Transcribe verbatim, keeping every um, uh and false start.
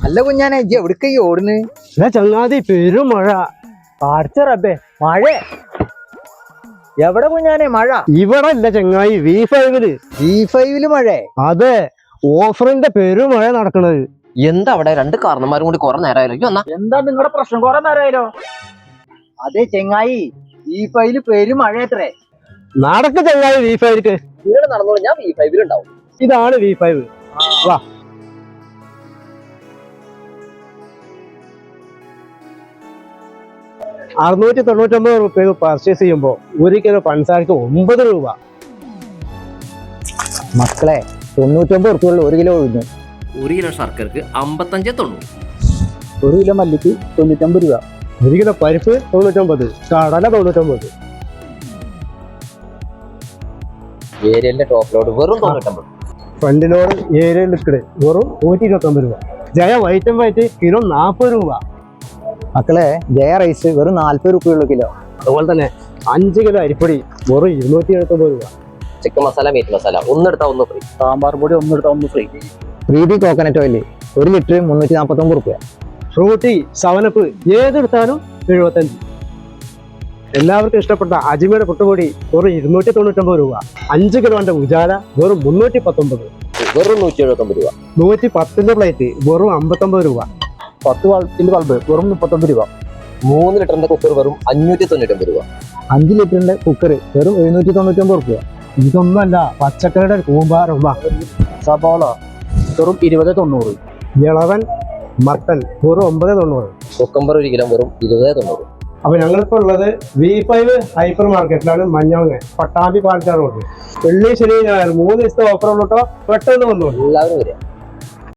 അല്ല കുഞ്ഞാനെ ഇജ്ജ് എവിടേക്ക് ഓടുന്നു? ചങ്ങാതി പെരും മഴ. പാടിച്ച റബ്ബേ മഴ എവിടെ കുഞ്ഞാനെ മഴ? ഇവിടെ അല്ല ചങ്ങായി, വി ഫൈവില്. വി ഫൈവില് മഴ? അതെ, ഓഫറിന്റെ പെരും മഴ നടക്കണത്. എന്താ അവിടെ രണ്ട് കാരണന്മാരും കൂടി കുറെ നേരമായാലോ? എന്താ നിങ്ങളുടെ പ്രശ്നം? കുറെ നേരമായാലോ? അതെ ചെങ്ങായി, വി ഫൈവില് പെരും മഴ എത്രേ. നടക്ക ചങ്ങായി വി ഫൈവിലേക്ക്. ഇവിടെ നടന്നോളൂ, ഞാൻ വി ഫൈവിൽ ഉണ്ടാവും. ഇതാണ് വി ഫൈവ്. വാ. അറുന്നൂറ്റി തൊണ്ണൂറ്റി ഒമ്പത് റുപ്യക്ക് പർച്ചേസ് ചെയ്യുമ്പോ ഒരു കിലോ പഞ്ചസാരക്ക് ഒമ്പത് രൂപ. മക്കളെ, തൊണ്ണൂറ്റൊമ്പത് റുപ്യുള്ള ഒരു കിലോ ഒഴിഞ്ഞു. ഒരു കിലോ ശർക്കരക്ക് അമ്പത്തഞ്ച് തൊണ്ണൂറ്. ഒരു കിലോ മല്ലിക്ക് തൊണ്ണൂറ്റൊമ്പത് രൂപ. ഒരു കിലോ പരിപ്പ് തൊണ്ണൂറ്റൊമ്പത്. കടല തൊണ്ണൂറ്റൊമ്പത്. ഏരിയലിന്റെ ടോപ്പ് ലോഡ് വെറും തൊണ്ണൂറ്റമ്പത്. ഫ്രണ്ട് ലോഡ് ഏരിയ ലിക്വിഡ് വെറും നൂറ്റി ഇരുപത്തി ഒമ്പത് രൂപ. Jaya white and white kilo നാൽപ്പത് രൂപ. മക്കളെ, ജയ റൈസ് വെറും നാല്പത് റുപ്യുള്ള കിലോ. അതുപോലെ തന്നെ അഞ്ച് കിലോ അരിപ്പൊടി വെറും ഇരുന്നൂറ്റി എഴുപത്തി ഒമ്പത് രൂപ. ചിക്കൻ മസാല, മീറ്റ് മസാല ഒന്നെടുത്താൽ ഒന്ന് ഫ്രീ. സാമ്പാർ പൊടി ഒന്നെടുത്താൽ ഒന്ന് free. Three D coconut oil ഒരു ലിറ്റർ മുന്നൂറ്റി നാൽപ്പത്തി ഒമ്പത് റുപ്യ. ഫ്രൂട്ടി, സെവനപ്പ് ഏതെടുത്താലും എഴുപത്തഞ്ച്. എല്ലാവർക്കും ഇഷ്ടപ്പെട്ട അജിമയുടെ പുട്ടുപൊടി വെറും ഇരുന്നൂറ്റി തൊണ്ണൂറ്റൊമ്പത് രൂപ. അഞ്ച് കിലോന്റെ ഉജാല വെറും മുന്നൂറ്റി പത്തൊമ്പത്. വെറും നൂറ്റി എഴുപത്തി ഒമ്പത് രൂപ. നൂറ്റി പത്തിന്റെ പ്ലേറ്റ് വെറും അമ്പത്തൊമ്പത് രൂപ. പത്ത് വാൾട്ടിന്റെ ബൾബ് വെറും മുപ്പത്തൊമ്പത് രൂപ. മൂന്ന് ലിറ്ററിന്റെ കുക്കർ വെറും അഞ്ഞൂറ്റി തൊണ്ണൂറ്റൊമ്പത് രൂപ. അഞ്ച് ലിറ്ററിന്റെ കുക്കർ വെറും എഴുന്നൂറ്റി തൊണ്ണൂറ്റൊമ്പത് റുപ്യ. ഇതൊന്നല്ല, പച്ചക്കറിയുടെ കൂമ്പാരം. സബോള വെറും ഇരുപത് തൊണ്ണൂറ്. ഇളവൻ മട്ടൻ വെറും ഒമ്പത് തൊണ്ണൂറ്. കുക്കമ്പർ ഒരു കിലോ വെറും ഇരുപത് തൊണ്ണൂറ്. അപ്പൊ ഞങ്ങളിപ്പോ ഉള്ളത് വി ഫൈവ് ഹൈപ്പർ മാർക്കറ്റിലാണ്, മഞ്ഞവങ്ങ, പട്ടാമ്പി, പാലക്കാട് റോഡ്. വെള്ളി, ശനി, ഞായർ മൂന്ന് ദിവസത്തെ ഓഫർ ഉള്ളൂട്ടോ. പെട്ടെന്ന് വന്നോളൂ. എല്ലാവരും വരിക.